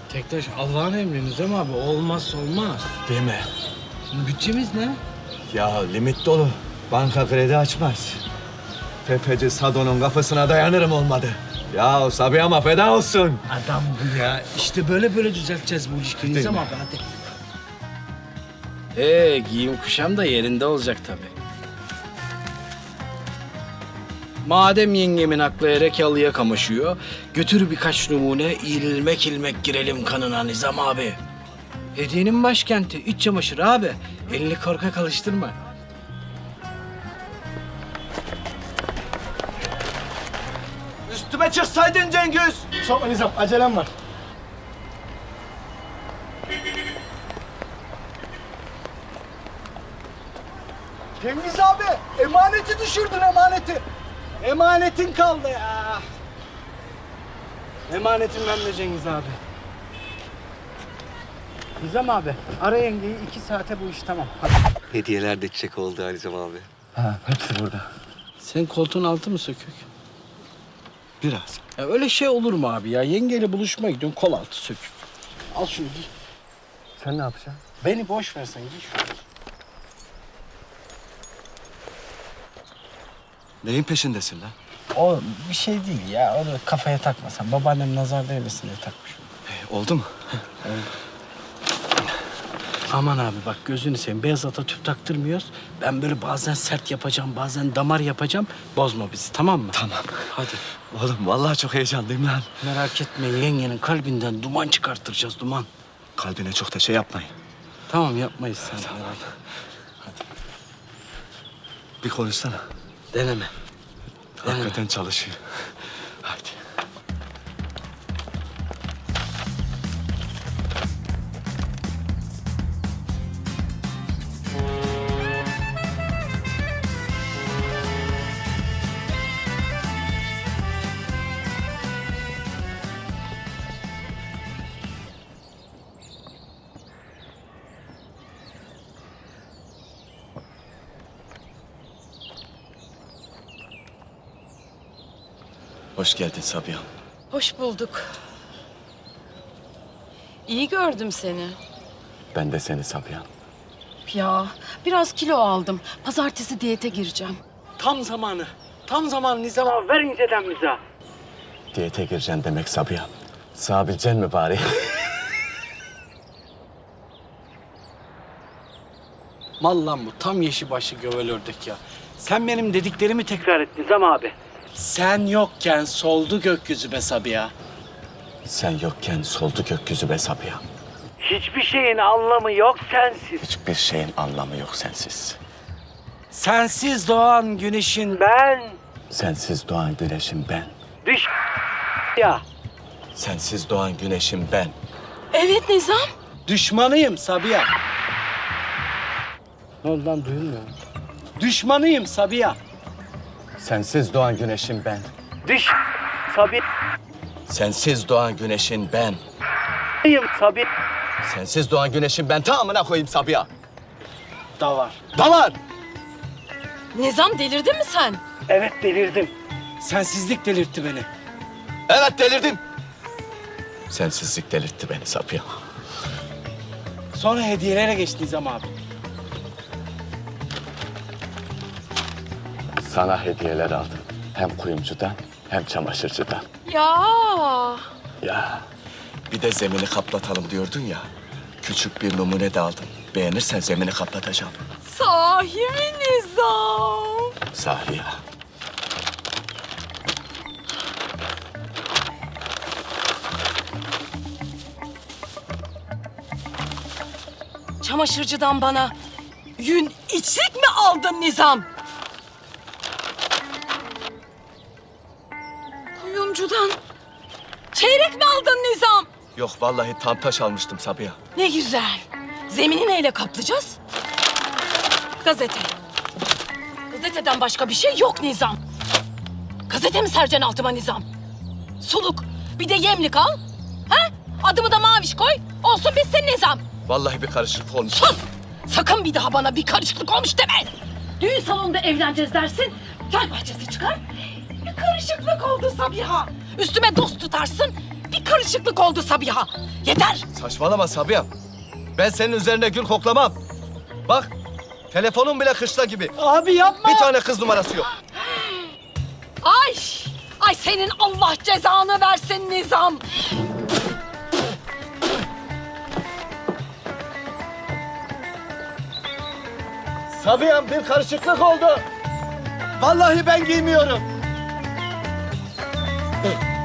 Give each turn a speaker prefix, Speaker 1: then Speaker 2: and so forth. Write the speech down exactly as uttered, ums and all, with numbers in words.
Speaker 1: Tektaş Allah'ın emri Nizam abi. Olmazsa olmaz.
Speaker 2: Değil mi?
Speaker 1: Şimdi bütçemiz ne?
Speaker 2: Ya limit dolu. Banka kredi açmaz. Tefeci Sado'nun kapısına dayanırım olmadı. Ya Sabiha'ma feda olsun.
Speaker 1: Adam bu ya. İşte böyle böyle düzelteceğiz bu ilişkiyi Nizam
Speaker 2: mi?
Speaker 1: abi hadi. Ee, giyim kuşam da yerinde olacak tabii. Madem yengemin aklı erekalıya kamaşıyor, götür birkaç numune, ilmek ilmek girelim kanına Nizam abi. Hediyenin başkenti, iç çamaşırı abi. Elini korkak alıştırma.
Speaker 2: Üstüme çıksaydın Cengiz.
Speaker 3: Sokma Nizam, acelem var. Cengiz abi, emaneti düşürdün emaneti. Emanetin kaldı ya.
Speaker 1: Emanetim bende Cengiz abi. Nizam abi, ara yengeyi iki saate bu iş tamam. Hadi.
Speaker 2: Hediyeler de çiçek oldu Alizem abi.
Speaker 3: Ha, hepsi burada.
Speaker 1: Senin koltuğun altı mı sökük?
Speaker 2: Biraz.
Speaker 1: Ya öyle şey olur mu abi ya? Yengeyle buluşmaya gidiyorsun, kol altı sökük. Al şunu giy.
Speaker 3: Sen ne yapacaksın?
Speaker 1: Beni boş versen giy şunu.
Speaker 2: Neyin peşindesin lan?
Speaker 1: O bir şey değil ya. Onu kafaya takmasan. Babaannem nazar değmesin diye takmış.
Speaker 2: E, oldu mu?
Speaker 1: Aman abi bak gözünü seveyim. Beyaz ata tüp taktırmıyoruz. Ben böyle bazen sert yapacağım, bazen damar yapacağım. Bozma bizi, tamam mı?
Speaker 2: Tamam.
Speaker 1: Hadi.
Speaker 2: Oğlum vallahi çok heyecanlıyım lan.
Speaker 1: Merak etme, yengenin kalbinden duman çıkarttıracağız, duman.
Speaker 2: Kalbine çok da şey yapmayın.
Speaker 1: Tamam, yapmayız sen merak etme.
Speaker 2: Bir konuşsana.
Speaker 1: Deneme. Deneme.
Speaker 2: Hakikaten çalışıyor. Hadi. Hoş geldin Sabiha.
Speaker 4: Hoş bulduk. İyi gördüm seni.
Speaker 2: Ben de seni Sabiha.
Speaker 4: Ya biraz kilo aldım. Pazartesi diyete gireceğim.
Speaker 1: Tam zamanı. Tam zamanı Nizam abi. Ver inceden bize.
Speaker 2: Diyete gireceksin demek Sabiha. Sığabileceksin mi bari?
Speaker 1: Mal lan bu. Tam yeşil başlı gövel ördek ya. Sen benim dediklerimi tekrar et Nizam abi. Sen yokken soldu gökyüzü be Sabiha.
Speaker 2: Sen yokken soldu gökyüzü be Sabiha.
Speaker 1: Hiçbir şeyin anlamı yok sensiz.
Speaker 2: Hiçbir şeyin anlamı yok sensiz.
Speaker 1: Sensiz doğan güneşin ben.
Speaker 2: Sensiz doğan güneşim ben.
Speaker 1: Düş ya.
Speaker 2: Sensiz doğan güneşim ben.
Speaker 4: Evet Nizam.
Speaker 1: Düşmanıyım Sabiha. Ne oldu lan duyulmuyor. Düşmanıyım Sabiha.
Speaker 2: Sensiz doğan güneşim ben.
Speaker 1: Düş Sabiha.
Speaker 2: Sensiz doğan güneşin ben.
Speaker 1: Sabiha.
Speaker 2: Sensiz doğan güneşim ben. Tamamına koyayım Sabiha.
Speaker 1: Da var.
Speaker 2: Da var.
Speaker 4: Nizam delirdin mi sen?
Speaker 1: Evet delirdim. Sensizlik delirtti beni.
Speaker 2: Evet delirdim. Sensizlik delirtti beni Sabiha.
Speaker 1: Sonra hediyelere geçti Nizam abi.
Speaker 2: Sana hediyeler aldım. Hem kuyumcudan hem çamaşırcıdan.
Speaker 4: Ya.
Speaker 2: Ya bir de zemini kaplatalım diyordun ya. Küçük bir numune de aldım. Beğenirsen zemini kaplatacağım.
Speaker 4: Sahi mi Nizam?
Speaker 2: Sahi ya.
Speaker 4: Çamaşırcıdan bana yün içlik mi aldın Nizam? Kuyumcudan çeyrek mi aldın Nizam?
Speaker 2: Yok vallahi tam taş almıştım Sabiha.
Speaker 4: Ne güzel. Zemini neyle kaplayacağız? Gazete. Gazeteden başka bir şey yok Nizam. Gazete mi sereceksin altıma Nizam? Suluk. Bir de yemlik al. Ha? Adımı da maviş koy. Olsun bitsin Nizam.
Speaker 2: Vallahi bir karışıklık olmuş.
Speaker 4: Sus! Sakın bir daha bana bir karışıklık olmuş deme. Düğün salonunda evleneceğiz dersin. Gel bahçesi çıkar. Bir karışıklık oldu Sabiha. Üstüme dost tutarsın. Bir bir karışıklık oldu Sabiha. Yeter.
Speaker 2: Saçmalama Sabiha'm. Ben senin üzerine gül koklamam. Bak, telefonun bile kışla gibi.
Speaker 3: Abi yapma.
Speaker 2: Bir tane kız numarası yok.
Speaker 4: Ay! Ay senin Allah cezanı versin Nizam.
Speaker 2: Sabiha'm bir karışıklık oldu. Vallahi ben giymiyorum.